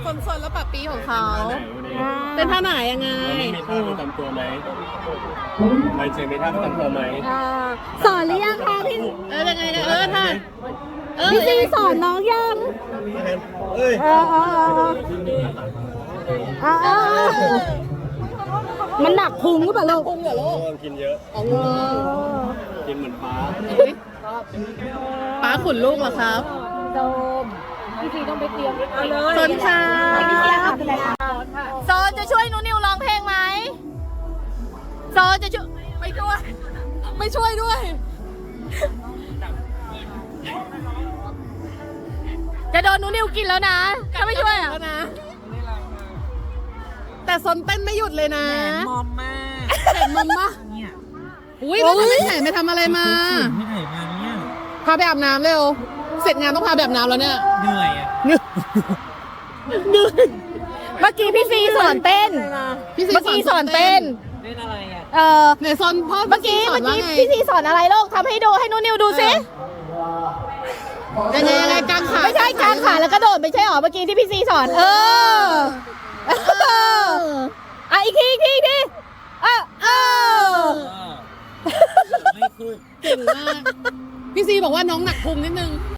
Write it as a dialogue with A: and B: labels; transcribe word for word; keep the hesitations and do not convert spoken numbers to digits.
A: ซนๆแล้วปะปีของเขา
B: เต้นท่าไหนยังไง
C: มีท่าประจำตัวไหมใบเจมีท่าประจำตัวไหม
D: สอนหรือยังคะพี่
B: เออยังไงเออท่าเออ
D: พี่ซีสอนน้องยัง
C: เอ้ย
D: เออเออเออเออเออมันหนักพุงหรือเปล่าลูก
B: พุงเหรอลูก
C: กินเยอะ
B: อ๋อ
C: กินเหมือนปลา
B: ป้าขุนลูกเหรอครับ
D: โดมพี่ซีต้องไปเตรียม
B: สนค่ะ
D: โซนจะช่วยหนูนิวร้องเพลงไหมโซนจะช่วย
B: ไม่ช่วย ไม่ช่วยด้วย
D: จะโดนหนูนิวกินแล้วนะถ้าไม่ช่วยอ่ะ
B: แล้วนะ แต่ซนเต้นไม่หยุดเลยนะ
A: มอมมาก
B: เห็นมันปะ
A: เนี่ย
B: อุ้ยแล้วจะไม่แข่ไปทำอะไรมา
A: ไม่ไหนมาเนี่ย
B: พาไปอาบน้ำเร็ว เสร็จงานต้องพาไปอาบน้ำแล้วเนี่ย
A: เหนื่อยอ่ะ
B: เหนื่อยเหนื่อย
D: เมื่อกี้พี่ซีสอนเต้น
B: พี่ซี
D: เมื่อกี้สอนเต้น
A: เล่นอะไรอ่ะ
D: เออ
B: ไหนซอนพ่อ
D: เมื่อกี้
B: สอ
D: เมื่
B: น
D: อ
B: ว่า
D: กี้
B: ไง
D: พี่ซีสอนอะไรลูกทำให้ดูให้หนูนิวดูสิ
B: ยังไงยังไงกางขา
D: ไม่ใช่กางขาแล้วกระโดดไม่ใช่หรอเมื่อกี้ที่พี่ซีสอน เออเอออ่ะอีกทีอีกทีอีกทีเออเออ
A: ไม่ขึ้น
B: เก่งมาก พี่ซีบอกว่าน้องหนักพุงนิดนึง